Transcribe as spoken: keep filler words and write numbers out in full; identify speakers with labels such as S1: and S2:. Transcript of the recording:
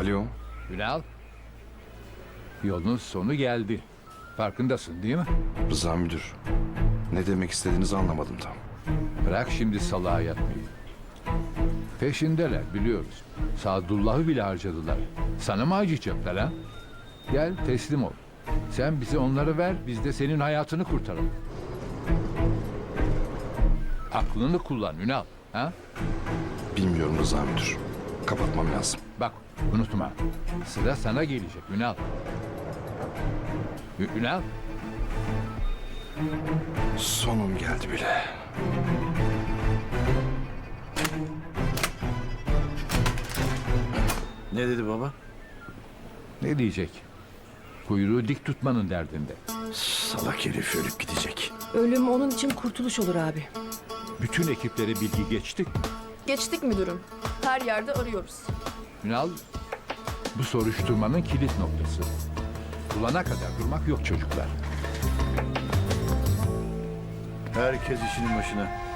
S1: Alo.
S2: Ünal, yolun sonu geldi. Farkındasın değil mi?
S1: Rıza müdür. Ne demek istediğinizi anlamadım tam.
S2: Bırak şimdi salağa yatmayı. Peşindeler biliyoruz. Sadullah'ı bile harcadılar. Sana mı acıyacaklar ha? Gel teslim ol. Sen bize onları ver, biz de senin hayatını kurtaralım. Aklını kullan Ünal. Ha?
S1: Bilmiyorum Rıza müdür. Kapatmam lazım.
S2: Bak unutma. Sıra sana gelecek Ünal. Ü- Ünal.
S1: Sonum geldi bile.
S3: Ne dedi baba?
S2: Ne diyecek? Kuyruğu dik tutmanın derdinde.
S3: Salak herif ölüp gidecek.
S4: Ölüm onun için kurtuluş olur abi.
S2: Bütün ekiplere bilgi geçtik.
S5: Geçtik müdürüm. Her yerde arıyoruz.
S2: Ünal, bu soruşturmanın kilit noktası. Bulana kadar durmak yok çocuklar.
S3: Herkes işinin başına.